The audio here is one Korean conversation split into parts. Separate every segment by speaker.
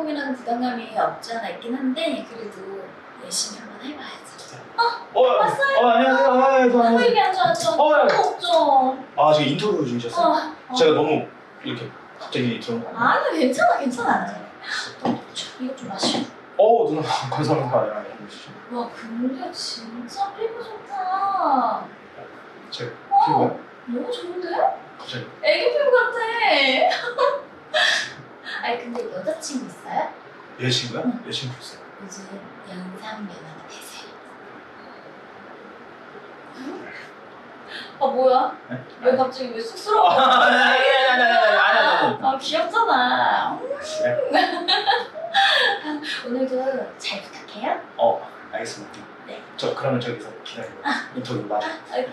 Speaker 1: 주인공이라는 부담감이 없지 않아 있긴 한데 그래도 열심히 한번 해봐야지.
Speaker 2: 왔어요?
Speaker 1: 안녕하세요.
Speaker 2: 안녕하세요.
Speaker 1: 여기 앉아왔죠? 없죠?
Speaker 2: 아, 지금 인터뷰 중이셨어요? 제가 너무 이렇게 갑자기 들어온 거 아니에요?
Speaker 1: 아니 괜찮아. 이거 좀 마시고.
Speaker 2: 누나 감사합니다.
Speaker 1: 와 근데 진짜 피부 좋다.
Speaker 2: 제 피부요?
Speaker 1: 너무 좋은데?
Speaker 2: 갑자기.
Speaker 1: 애기 피부 같아. 아니 근데 여자친구 있어요?
Speaker 2: 여자친구요?
Speaker 1: 응.
Speaker 2: 여자친구 있어요.
Speaker 1: 요즘 연상연하가 되세요. 아 뭐야?
Speaker 2: 네?
Speaker 1: 왜 갑자기 왜 쑥스러워?
Speaker 2: 아니.
Speaker 1: 아 귀엽잖아.
Speaker 2: 네.
Speaker 1: 오늘도 잘 부탁해요.
Speaker 2: 알겠습니다.
Speaker 1: 네.
Speaker 2: 저 그러면 저기서 기다리고 인터뷰 마저.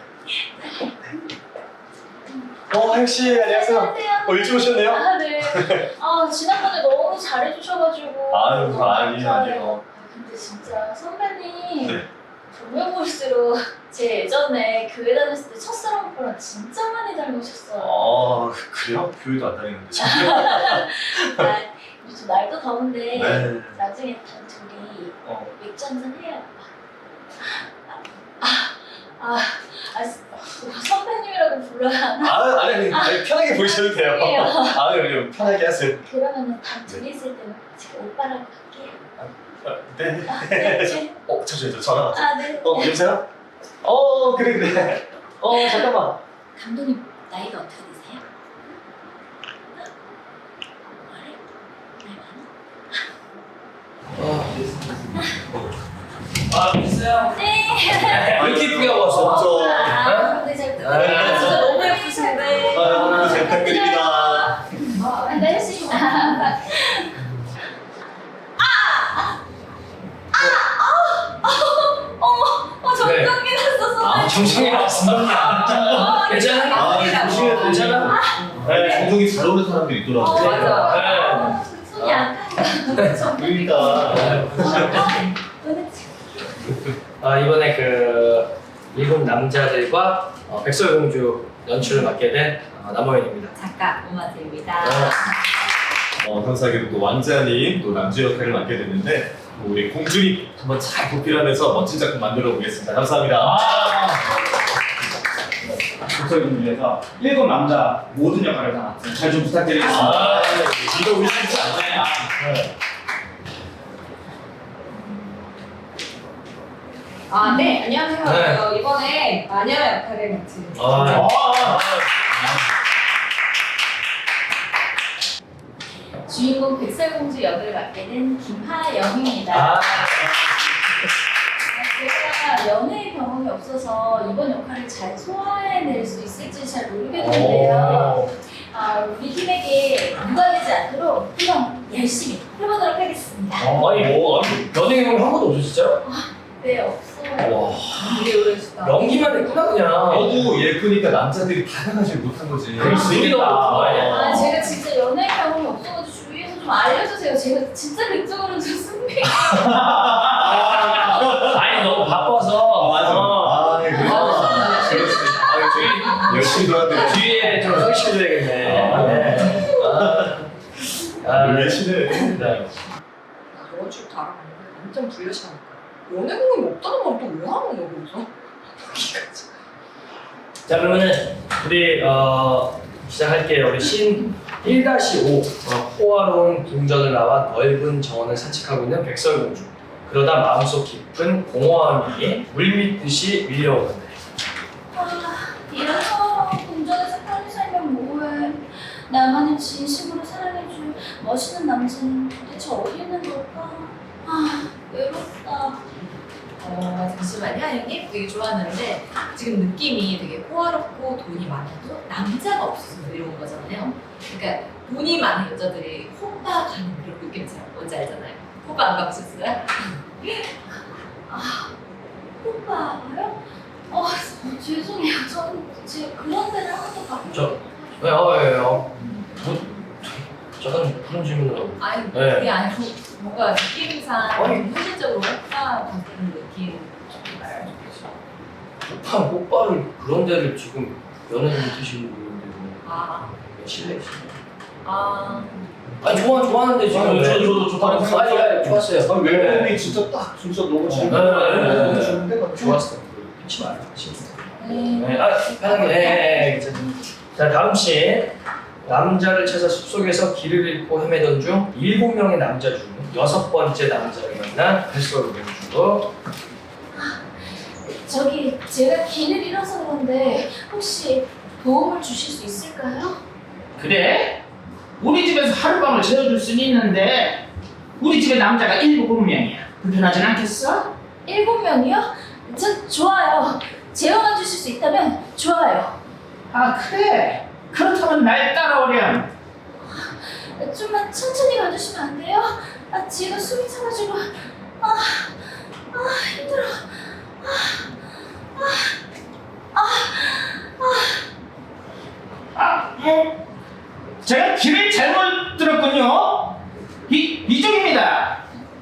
Speaker 2: 혜씨 안녕하세요. 일찍 오셨네요?
Speaker 1: 아 네. 아 지난번에 너무 잘해주셔가지고.
Speaker 2: 아유,
Speaker 1: 너무
Speaker 2: 아니에요.
Speaker 1: 감사해요. 근데 진짜 선배님
Speaker 2: 네.
Speaker 1: 보면 볼수록 제 예전에 교회 다녔을 때 첫사랑 오빠랑 진짜 많이 닮으셨어요.
Speaker 2: 그래요? 교회도 안 다니는데.
Speaker 1: 아, 요즘 날도 더운데
Speaker 2: 네.
Speaker 1: 나중에 다 둘이 맥주 한잔 해요. 선배님이라고 불러야 하나?
Speaker 2: 아니 편하게 보셔도 돼요.
Speaker 1: 아니에요.
Speaker 2: 아니 편하게 하세요.
Speaker 1: 그러면은 다 둘이 있을 때는 제가 오빠라고 할게요.
Speaker 2: 네.
Speaker 1: 네.
Speaker 2: 잠시만요. 전화 왔어요.
Speaker 1: 아 네.
Speaker 2: 여보세요? 그래. 잠깐만.
Speaker 1: 감독님 나이가 어떻게 되세요?
Speaker 3: 있어요?
Speaker 1: 네.
Speaker 3: 왜 이렇게 이쁘게 하고 왔어?
Speaker 1: 네, 잘 부탁드립니다. 진짜 너무 예쁘신데.
Speaker 2: 잘 부탁드립니다.
Speaker 1: 네, 열심히. 정전기 났어.
Speaker 3: 정신이 없습니다. 괜찮아? 괜찮아?
Speaker 2: 감독이 잘 오는 사람들이 있더라고요.
Speaker 1: 맞아. 손이 약간.
Speaker 2: 그러니까.
Speaker 3: 이번에 그 일곱 남자들과 백설공주 연출을 맡게 된 남호연입니다.
Speaker 1: 작가 오마트입니다.
Speaker 4: 감사하게도 또 왕자님 또 남주 역할을 맡게 됐는데 우리 공주님 한번 잘 보필하면서 멋진 작품 만들어 보겠습니다. 감사합니다.
Speaker 2: 목소리를 위해서 7 남자 모든 역할을 다 맡은 잘 좀 부탁드리겠습니다.
Speaker 4: 이거 우리 쉽지 않아요.
Speaker 5: 네, 안녕하세요.
Speaker 3: 네.
Speaker 5: 이번에 마녀 역할을 맡은
Speaker 1: 주인공 백설공주 역을 맡게 된 김하영입니다. 제가 연애 경험이 없어서 이번 역할을 잘 소화해낼 수 있을지 잘 모르겠는데요. 우리 팀에게 누가되지 않도록 한번 열심히 해보도록 하겠습니다.
Speaker 3: 연예 경험 한 번도 없어 진짜요?
Speaker 1: 네, 없어요.
Speaker 3: 와,
Speaker 5: 되게 오래됐다.
Speaker 3: 연기만 했구나 그냥.
Speaker 4: 너무 예쁘니까 남자들이 받아가지 못한 거지.
Speaker 3: 되게 너무 좋아해.
Speaker 1: 제가 진짜 연애 경험이 없어가지고 주위에서 좀 알려주세요. 제가 진짜 그쪽으로는 좀 승리.
Speaker 3: 아니 너무 바빠서.
Speaker 4: 맞아. 열심히 도와드려.
Speaker 3: 뒤에 좀 소개시켜줘야겠네.
Speaker 4: 왜 친해?
Speaker 3: 네.
Speaker 5: 저번 주부터 알아봤는데 완전 불려시하니까 연애 경험이 없다는 말 또 왜 하는 거야 거기서?
Speaker 3: 자 그러면은 우리 시작할게요. 우리 신 1-5 호화로운 궁전을 나와 넓은 정원을 산책하고 있는 백설공주. 그러다 마음속 깊은 공허함이 물밀듯이 밀려오는데
Speaker 1: 이런 사람 공전에서 편히 살면 뭐해. 나만을 진심으로 사랑해줄 멋있는 남자는 도대체 어디 있는 걸까? 외롭다.
Speaker 5: 잠시만요, 형님. 되게 좋았는데 지금 느낌이 되게 호화롭고 돈이 많아도 남자가 없어서 외로운 거잖아요. 그러니까 돈이 많은 여자들이 호빠 가는 그런 느낌처럼 뭔지 알잖아요. 호빠 안 가보셨어요?
Speaker 1: 오빠요? 죄송해요. 저는 그런 데를 한 번도 가본 적이
Speaker 3: 왜요? 잠깐 그런 질문을
Speaker 5: 아니
Speaker 3: 네.
Speaker 5: 그게 아니고 뭔가 느낌상 현실적으로 호빠 같은 느낌
Speaker 3: 오빠를 그런 데를 지금 연예인 드시는 분인데
Speaker 5: 아
Speaker 3: 실례. 좋아하는데 지금.
Speaker 2: 저도 좋다고 생각해요.
Speaker 3: 좋았어요.
Speaker 4: 외모이 진짜 딱 진짜 너무 잘.
Speaker 3: 네.
Speaker 4: 좋은데
Speaker 3: 좋았어. 끊지 마요.
Speaker 1: 네.
Speaker 3: 네, 편하게. 네, 괜찮아. 자, 다음 씬. 남자를 찾아 숲속에서 길을 잃고 헤매던 중 7명의 남자 중 6번째 남자를 만난 백설공주.
Speaker 1: 저기 제가 길을 잃어서 그런데 혹시 도움을 주실 수 있을까요?
Speaker 6: 그래? 우리 집에서 하룻밤을 재워줄 수는 있는데 우리 집에 남자가 7명이야. 불편하진 않겠어?
Speaker 1: 7명이요? 좋아요. 재워만 주실 수 있다면 좋아요.
Speaker 6: 아 그래? 그렇다면 날 따라오렴.
Speaker 1: 좀만 천천히 가주시면 안 돼요? 지금 숨이 차가지고 힘들어.
Speaker 6: 제가 길을 잘못 들었군요. 이쪽입니다.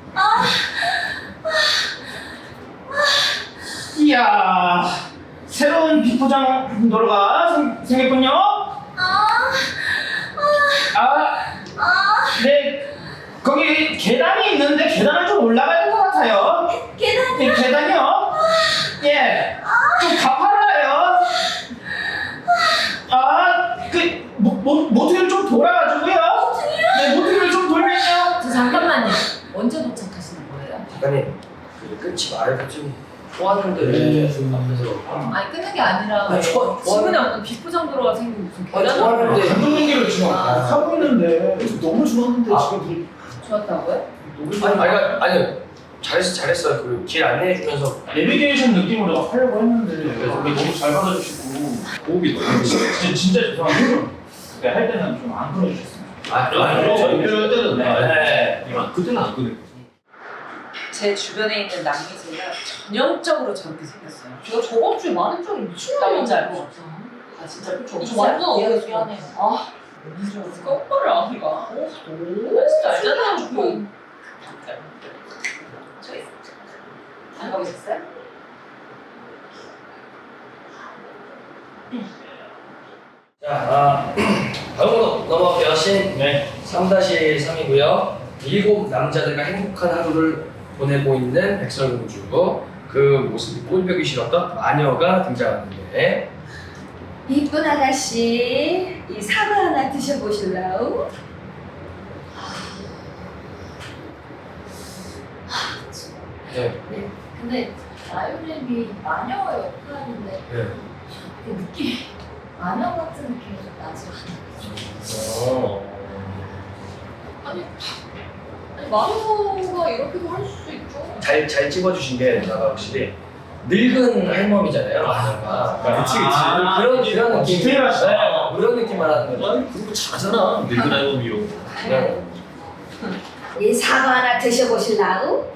Speaker 6: 이야, 새로운 비포장 도로가 생겼군요. 네, 거기 계단이 있는데 계단을 좀 올라가야 될 것 같아요.
Speaker 1: 계단이요?
Speaker 6: 네, 계단이요? 예, 좀 가팔라요. 모퉁이를 좀 돌아가지고요. 네, 모퉁이를 좀 돌면요.
Speaker 5: 잠깐만요. 언제 도착하시는 거예요?
Speaker 3: 작가님, 끊지 말고 좀 좋았는데 앞에서.
Speaker 5: 아니 끊는 게 아니라
Speaker 3: 아니,
Speaker 5: 지금에 어떤 비포장도로가 생기고 무슨
Speaker 3: 아니,
Speaker 5: 계단을
Speaker 3: 좋았는데.
Speaker 2: 감독님들을 지금 하고 있는데
Speaker 4: 너무 좋았는데 지금
Speaker 5: 좋았다고요?
Speaker 3: 아니, 잘했어요. 그 길 안내해주면서.
Speaker 2: 내비게이션 느낌으로 하려고 했는데 우리 너무 잘 받아주시고
Speaker 4: 호흡이 너무
Speaker 2: 진짜 죄송한데 그때 할 때는 좀 안 끊어주셨어요.
Speaker 4: 저 인터뷰할 때는
Speaker 3: 네.
Speaker 4: 그때는 안 끊을.
Speaker 5: 제 주변에 있는 남미새가 전형적으로 저렇게 생겼어요. 제가 저번 주에 많은 적이 미친놈인지 알고 왔어. 아 진짜 그쵸? 저 완전 어이가 미안해요. 거꾸를 안 가. 너무 진짜 알잖아요. 저기 안 가보셨어요?
Speaker 3: 자, 다음으로 넘어갈게요. 씬
Speaker 2: 네.
Speaker 3: 3-3이고요. 7 남자들과 행복한 하루를 보내고 있는 백설공주. 그 모습이 꼴보기 싫었던 마녀가 등장하는데.
Speaker 7: 이쁜 아가씨, 이 사과 하나 드셔보실래요?
Speaker 3: 네.
Speaker 1: 근데 바이올렛이 마녀 역할인데
Speaker 3: 네.
Speaker 1: 그 느낌 마녀 같은 느낌이 좀 나지 않아요?
Speaker 5: 아니 마녀가 이렇게도 할 수 있죠.
Speaker 3: 잘 찍어주신 게 누나가 확실히 늙은 할머니잖아요. 마녀가.
Speaker 4: 그치.
Speaker 3: 그런 느낌.
Speaker 2: 디테일하시다.
Speaker 3: 네, 그런 느낌만 하는 거죠.
Speaker 4: 아니 그런 거 잘하잖아. 늙은 할머니로.
Speaker 3: 네.
Speaker 7: 이 사과 하나 드셔보실래요?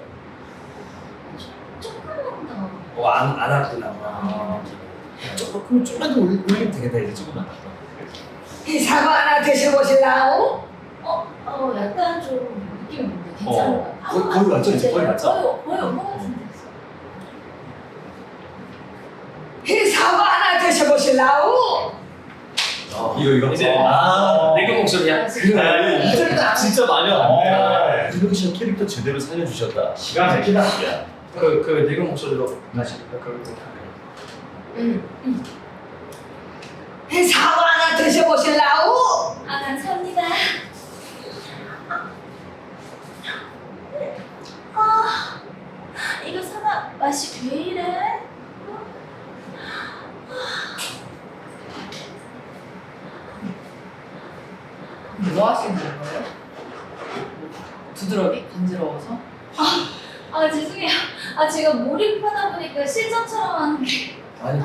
Speaker 1: 조금만 더
Speaker 3: 안 왔구나.
Speaker 4: 그럼 좀만 더 올리면 되겠다 이제 조금만.
Speaker 7: 이 사과 하나 드셔보실래요?
Speaker 1: 약간 좀 느낌이 뭔데 괜찮을까요?
Speaker 4: 거의 맞죠, 이제? 거의 맞죠?
Speaker 1: 거의 온것 같은데
Speaker 7: 이 사과 하나 드셔보실래요?
Speaker 4: 이거
Speaker 3: 이제 늙은 목소리야.
Speaker 4: 그래 이제 진짜 마녀
Speaker 2: 어.
Speaker 4: 김동희 씨 캐릭터 제대로 살려주셨다.
Speaker 2: 기가 막히다.
Speaker 3: 그 늙은 목소리로 다시
Speaker 7: 이 사과 하나 드셔보실래요?
Speaker 1: 감사합니다. 이거 사과 맛이 왜 이래?
Speaker 5: 뭐 하시는 거예요? 부드러기? 간지러워서?
Speaker 1: 죄송해요. 제가 몰입하다 보니까 실전처럼 하는 게.
Speaker 3: 아니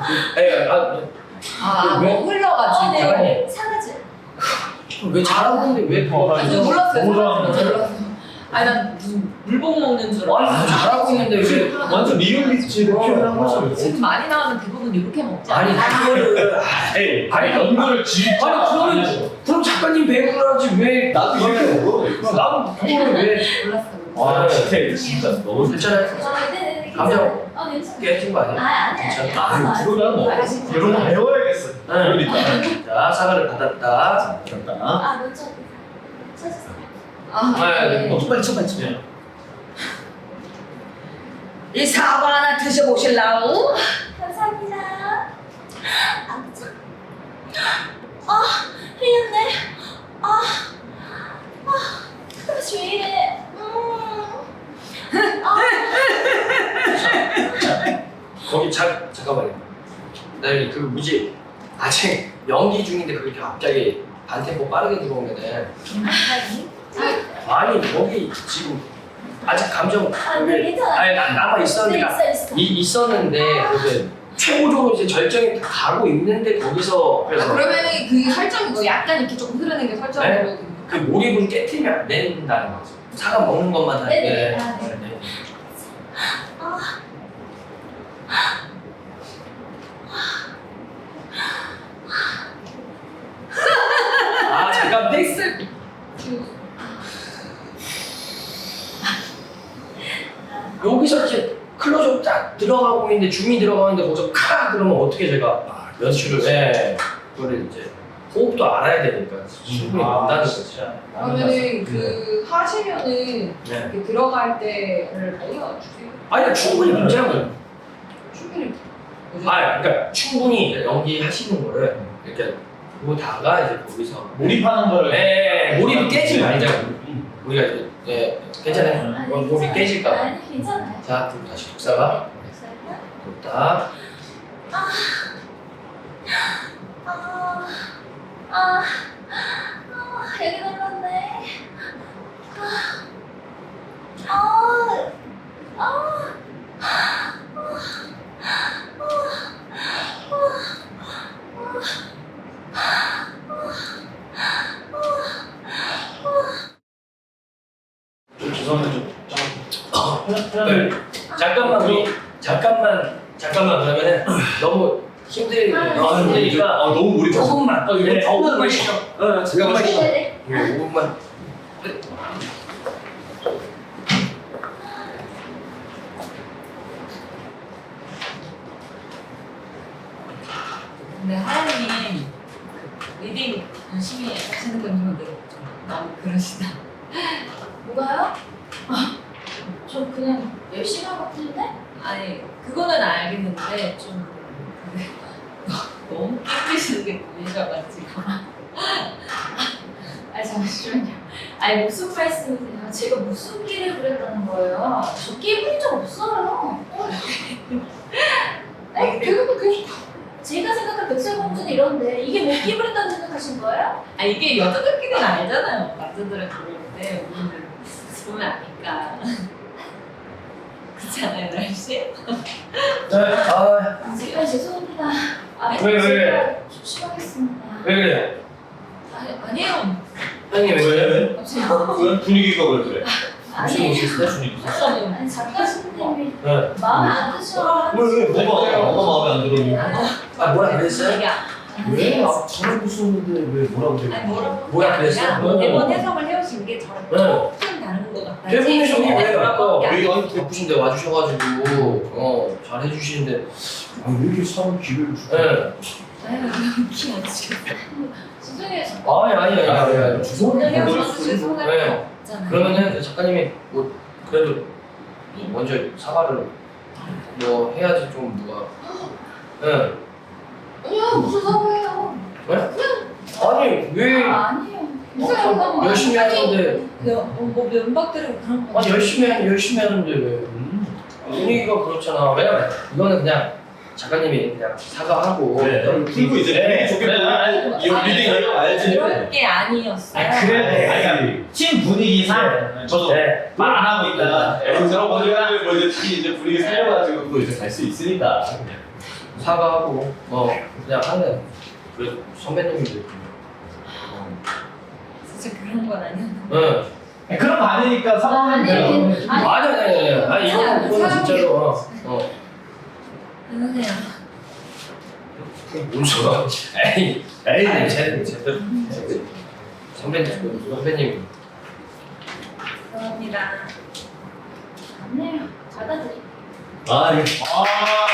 Speaker 3: 왜?
Speaker 5: 뭐 흘러가지고.
Speaker 1: 네. 사과즙.
Speaker 3: 왜 잘하고 있는데 왜
Speaker 5: 아니, 저 몰랐어요.
Speaker 2: 너무 좋아하는데.
Speaker 5: 몰랐어요. 아니 난 무슨 물복 먹는 줄 알았어.
Speaker 3: 아니 잘하고 있는데 왜?
Speaker 4: 완전 리얼리티를 표현한 거죠.
Speaker 5: 지금 많이 나오면 대부분 이렇게 먹지
Speaker 3: 아니
Speaker 5: 않아요?
Speaker 3: 그거를
Speaker 2: 아니 연구를 진짜
Speaker 3: 그럼 작가님 배우를 하지 왜
Speaker 4: 나도 이렇게 먹어.
Speaker 3: 나도 그거를 왜?
Speaker 5: 몰랐어요.
Speaker 4: 와 디테일 진짜 너무
Speaker 3: 괜찮아요?
Speaker 1: 네네.
Speaker 3: 감정.
Speaker 1: 괜찮아요.
Speaker 3: 깨진 거 아니야?
Speaker 1: 아니.
Speaker 4: 그거야 뭐.
Speaker 2: 이런 거 배워야겠어.
Speaker 4: 그러니까.
Speaker 3: 자 사과를 받았다.
Speaker 4: 그렇다.
Speaker 1: 먼저. 찾으세요.
Speaker 3: 네.
Speaker 6: 빨리 쳐.
Speaker 7: 이 사과 하나 드셔보실라우?
Speaker 1: 감사합니다. 아, 흘렸네. 그래서 왜 이래?
Speaker 3: 거기 잠깐만요. 나 여기 그 뭐지? 아직 연기 중인데 그렇게 갑자기 반템포 빠르게 들어오면은 아니 거기 지금 아직 감정
Speaker 1: 네, 괜찮아.
Speaker 3: 아니 남아 있었는데
Speaker 1: 있어.
Speaker 3: 있었는데 그게 최고적으로 이제 절정이 다 가고 있는데 거기서 그래서
Speaker 5: 그러면은 그 설정이 뭐 약간 이렇게 조금 흐르는 게 설정으로
Speaker 3: 그 몰입을 깨트리면 안 된다는 거죠. 사과 먹는 것만 하는데.
Speaker 1: 네네. 아, 네.
Speaker 3: 네. 아 잠깐 텍스 여기서 이제 클로즈업 딱 들어가고 있는데 줌이 들어가는데 거기서 카 그러면 어떻게 제가 연출을 그거를 이제 호흡도 알아야 되니까 충분히 본다는 거죠.
Speaker 5: 그러면은 그 하시면은
Speaker 3: 네.
Speaker 5: 이렇게 들어갈 때를 알려주세요.
Speaker 3: 아니 충분히 문제는
Speaker 5: 충분히
Speaker 3: 그러니까 충분히 연기하시는 거를 이렇게 보다가 이제 거기서
Speaker 2: 몰입하는 거를.
Speaker 3: 몰입이 깨지면 아니잖아요. 우리가 이제 괜찮아요. 몰입이 깨질까 봐.
Speaker 1: 아니, 괜찮아요.
Speaker 3: 자, 그럼 다시 독사가 독다.
Speaker 1: 여기 눌렀네.
Speaker 2: 좀 죄송한데 좀.
Speaker 3: 네. 잠깐만 그러면은 너무 힘드니까
Speaker 4: 너무 몰입해서.
Speaker 3: 조금만 이거
Speaker 2: 네.
Speaker 3: 5분만 쉬어.
Speaker 4: 잠깐만.
Speaker 1: 네네.
Speaker 3: 5분만.
Speaker 5: 근데 하연님 리딩 열심히 하시는 건 이유인데 좀 너무 그러시다.
Speaker 1: 뭐가요? 저 그냥 열심히 하고 있는데?
Speaker 5: 아니 그거는 알겠는데 좀 너무 깨끗이는 게 보이셔가지고.
Speaker 1: 잠시만요. 아니 무슨 말씀이세요? 제가 무슨 끼를 부렸다는 거예요? 저 끼 부린 적 없어요. 아니 결국은 제가 생각한 백설공주는 이런데 이게 뭐 끼 부린다고 생각하신 거예요?
Speaker 5: 아 이게 여자들끼리는 알잖아요. 남자들은 모르는데 우리는 보면 아니까. 그렇잖아요, 날씨?
Speaker 1: 정말 죄송합니다.
Speaker 3: 왜?
Speaker 1: 제가 조심하겠습니다.
Speaker 3: 왜 그래요?
Speaker 5: 아니에요.
Speaker 3: 형님 왜 그래요?
Speaker 4: 왜 분위기가 왜 그래?
Speaker 1: 아니,
Speaker 3: 있어요?
Speaker 1: 아니 작가님이
Speaker 3: 네.
Speaker 1: 마음에 안 드셔.
Speaker 4: 뭐가 마음에 안 들어?
Speaker 3: 아 뭐라 그랬어요?
Speaker 5: 왜?
Speaker 3: 저는 무슨데 왜 뭐라고 그래요?
Speaker 5: 아니 뭐라고
Speaker 3: 뭐야 그랬어요?
Speaker 5: 매번 해석을 해오신 게 저랑
Speaker 3: 네.
Speaker 5: 조금 다른 것 같아요.
Speaker 3: 대부분 형이 왜 아까
Speaker 5: 왜
Speaker 3: 왜 예쁘신데 와주셔가지고 잘 해주시는데 왜 이렇게 사람 기회를 주고? 네.
Speaker 5: 키 어떻게
Speaker 1: 죄송해요.
Speaker 3: 아니.
Speaker 5: 오늘
Speaker 3: 죄송해요.
Speaker 5: 헤어져서 죄송할
Speaker 3: 네.
Speaker 5: 거 없잖아요.
Speaker 3: 그러면은 그 작가님이 뭐 그래도 먼저 사과를 뭐 해야지 좀 누가. 네.
Speaker 1: 아니요, 무슨 사과예요?
Speaker 3: 아니 왜?
Speaker 1: 아니에요. 무슨 사과?
Speaker 3: 열심히 하는데
Speaker 5: 뭐 면박들은 그런 거.
Speaker 3: 아니 열심히 하는데 왜? 분위기가 그렇잖아. 왜냐면 이거는 그냥 작가님이 그냥 사과하고
Speaker 4: 풀고 이제
Speaker 2: 네.
Speaker 4: 좋게
Speaker 2: 네.
Speaker 4: 이 리딩을 알지.
Speaker 5: 그런 게 아니었어요.
Speaker 2: 그래. 팀 분위기상 저도
Speaker 3: 네.
Speaker 2: 말 안 하고 있다가
Speaker 4: 애들하고 뭐 이제 특히 이제 분위기 살려가지고 또 이제 갈 수 있으니까.
Speaker 3: 사과하고 그냥 하는 그 선배님들.
Speaker 5: 진짜 그런 건 아니었는데.
Speaker 3: 네.
Speaker 2: 그런 거 아니니까
Speaker 1: 아니,
Speaker 2: 사과는
Speaker 3: 아니 이거는 진짜로
Speaker 5: 죄송해요.
Speaker 3: 뭔 소리야? 에이 제대로 선배님
Speaker 5: 감사합니다.
Speaker 1: 아니에요. 받아들이.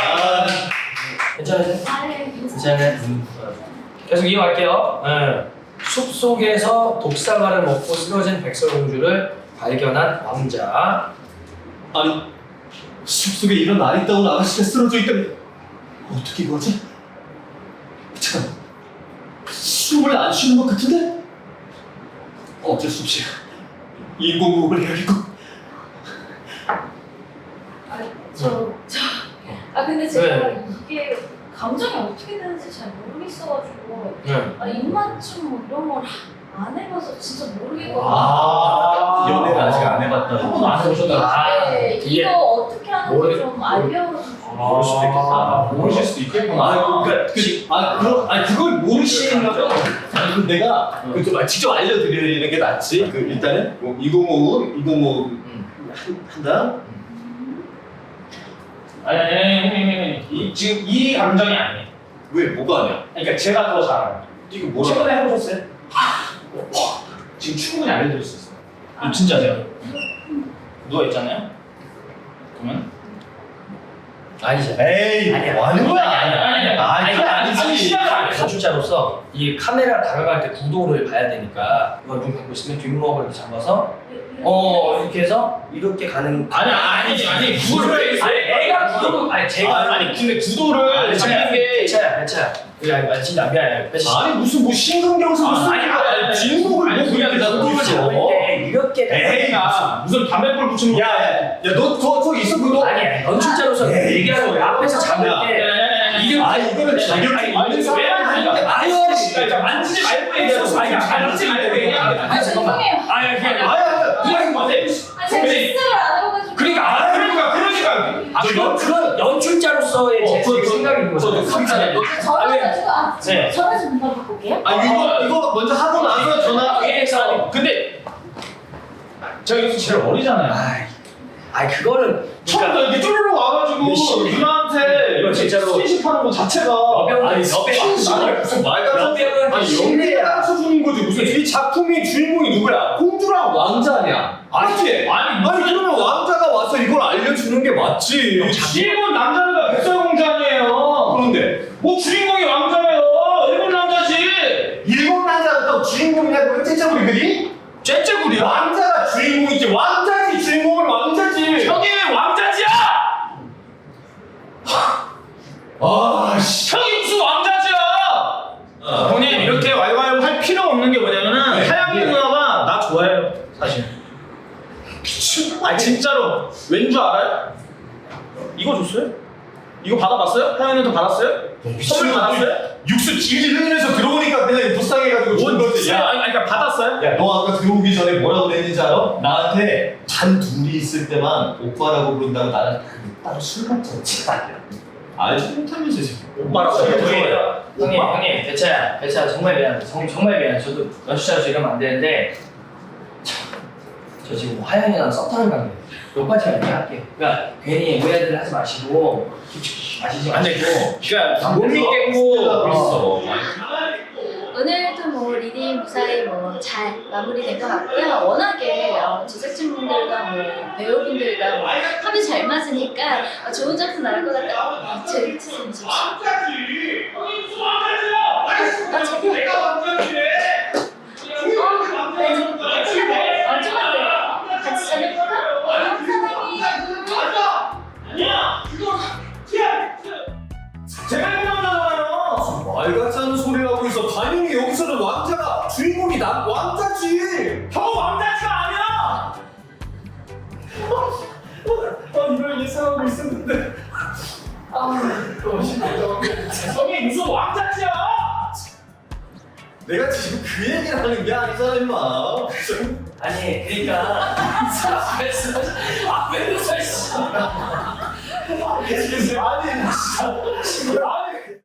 Speaker 3: 괜찮으세요?
Speaker 1: 아, 네, 괜찮아요.
Speaker 3: 괜찮네. 계속 이어갈게요. 네. 숲 속에서 독사과를 먹고 쓰러진 백설공주를 발견한 왕자.
Speaker 4: 아니 숲속에 이런 아리따운 아가씨가 쓰러져 있다니 어떻게 이거지? 잠깐 숨을 안 쉬는 것 같은데? 어쩔 수 없이 인공호흡을 해야겠고.
Speaker 1: 근데 제가
Speaker 3: 네.
Speaker 1: 이게 감정이 어떻게 되는지 잘 모르겠어가지고
Speaker 3: 네.
Speaker 1: 입맞춤 뭐 이런 걸 안 해봐서 진짜 모르겠거든요.
Speaker 4: 연애를 아직 안 해봤다.
Speaker 6: 한 번도 안 해보셨다.
Speaker 1: 네,
Speaker 3: 이게
Speaker 1: 이거 어떻게 하는지
Speaker 3: 모르-
Speaker 1: 좀 알려주세요.
Speaker 3: 모를 수도 있겠다.
Speaker 6: 모르실 수도 있겠구나.
Speaker 4: 그걸 모르시는 거죠? 아니, 그럼 내가 좀 직접 알려드리는 게 낫지. 일단은 뭐 2055 한다.
Speaker 6: 아니, 지금 이 감정이 아니에요.
Speaker 4: 왜 뭐가 아니야?
Speaker 6: 그러니까 제가 더 잘 알아요.
Speaker 4: 이거 뭐라?
Speaker 6: 최근에 해보셨어요? 지금 충분히 알려드릴 수 있어요. 이거 진짜세요. 누워있잖아요? 그러면?
Speaker 3: 아니죠.
Speaker 4: 에이,
Speaker 3: 아니야.
Speaker 4: 뭐 하는 거야?
Speaker 6: 아니, 그게 아니지. 시야가 아니죠.
Speaker 3: 건축자로서 이 카메라 다가갈 때 구도를 봐야 되니까 이거 눈 감고 있으면 뒷목을 이렇게 잡아서 이렇게 해서 이렇게 가는.
Speaker 6: 아니, 구도를.
Speaker 3: 애가 구도. 아니 제가
Speaker 6: 근데 구도를 잡는 게.
Speaker 3: 배차야. 아니 진짜 미안해.
Speaker 4: 아니 무슨 뭐 신근경서 무슨
Speaker 6: 아니,
Speaker 4: 진목을
Speaker 6: 아니,
Speaker 4: 뭐
Speaker 6: 그냥
Speaker 4: 그렇게
Speaker 6: 구도를
Speaker 4: 잡고
Speaker 3: 잡을
Speaker 4: 있어.
Speaker 3: 때 이렇게.
Speaker 4: 에이,
Speaker 6: 무슨 담배불 붙이는 거.
Speaker 4: 야너 있어 그거?
Speaker 3: 아니 건축자로서 얘기하는 거야. 앞에서 잡을 때.
Speaker 6: 이게
Speaker 4: 이거는 자격증 있는 사람이
Speaker 3: 아유,
Speaker 6: 진짜 만지지 말고 얘기하고. 아니, 만지지 말고 얘기하고.
Speaker 1: 죄송해요.
Speaker 3: 아니 그냥
Speaker 6: 그냥 뭐지?
Speaker 1: 제가 실습을 안 해봐가지고.
Speaker 6: 그러니까.
Speaker 3: 그런 연출자로서의 제 생각이 있는 거죠.
Speaker 1: 전화 좀 금방 바꿀게요.
Speaker 4: 이거 먼저 하고 나서 전화.
Speaker 6: 근데 저 여기서 제일 어리잖아요.
Speaker 3: 아이 그거는
Speaker 6: 처음부터 이렇게 쭈르르 와가지고 누나한테
Speaker 3: 이거 진짜로
Speaker 6: 스킨십하는 거 자체가
Speaker 3: 여배우는
Speaker 4: 무슨 말 같은
Speaker 3: 여배우는
Speaker 4: 연기야 수준인 거지. 무슨 이 작품의 주인공이 누구야? 공주랑 왕자냐? 아니지? 아니 그러면 왕자가 와서 이걸 알려주는 게 맞지.
Speaker 6: 일본 남자가 백설공주 아니에요.
Speaker 4: 그런데
Speaker 6: 뭐 주인공이 왕자예요. 일본 남자지.
Speaker 4: 일본 남자가 또 주인공이라고 째째부리더니
Speaker 6: 째째구리야.
Speaker 4: 왕자가 주인공이지. 왕자지. 주인공은 왕자지.
Speaker 6: 형이 왜 왕자지야?
Speaker 4: 아씨.
Speaker 6: 형이 무슨 왕자지야? 본인 이렇게 왈왈 할 필요 없는 게 뭐냐면은
Speaker 4: 네.
Speaker 6: 하양이 누나가 나 좋아해요 사실. 아 진짜로 왠 줄 알아요? 이거 줬어요? 이거 받아봤어요? 하양이 누나 받았어요? 선물 받았어요?
Speaker 4: 육수 질질 흘리면서 들어오니까 그냥 불쌍해가지고 준 거지.
Speaker 6: 그러니까 받았어요?
Speaker 4: 야, 너 아까 들어오기 전에 뭐라고 그랬는지 알아? 나한테 단 둘이 있을 때만 오빠라고 부른다고 나는 따로 술 먹자고 치다. 알지 못하면서 지금
Speaker 6: 오빠라고 해요.
Speaker 3: 형님 배차야 정말 미안해. 정말 미안해. 저도 연출자로서 이러면 안 되는데 저 지금 화영이랑 썸타는 관계. 오빠 제가 얘기할게요. 그러니까 괜히 오해들 하지 마시고 아시지 마시고.
Speaker 6: 그러니까 못 믿겠고
Speaker 4: 있어.
Speaker 1: 오늘도 뭐 리딩 무사히 뭐 잘 마무리된 것 같고요. 워낙에 제작진분들과 뭐 배우분들과 뭐 합이 잘 맞으니까 좋은 작품 나올 것 같다. 제 리트는 지금 같이 자녀볼까?
Speaker 6: 제가 일본 남자잖아요.
Speaker 4: 말 같지 않은 소리를 하고 있어. 당연히 여기서는 왕자가 주인공이 왕자지.
Speaker 6: 형 왕자지가 아니야.
Speaker 4: 이걸 예상하고 있었는데.
Speaker 6: 형이 무슨 왕자지야?
Speaker 4: 내가 지금 그 얘기를 하는 게 아니잖아 임마.
Speaker 3: 아니 그러니까 앞에서
Speaker 6: 아니 진짜.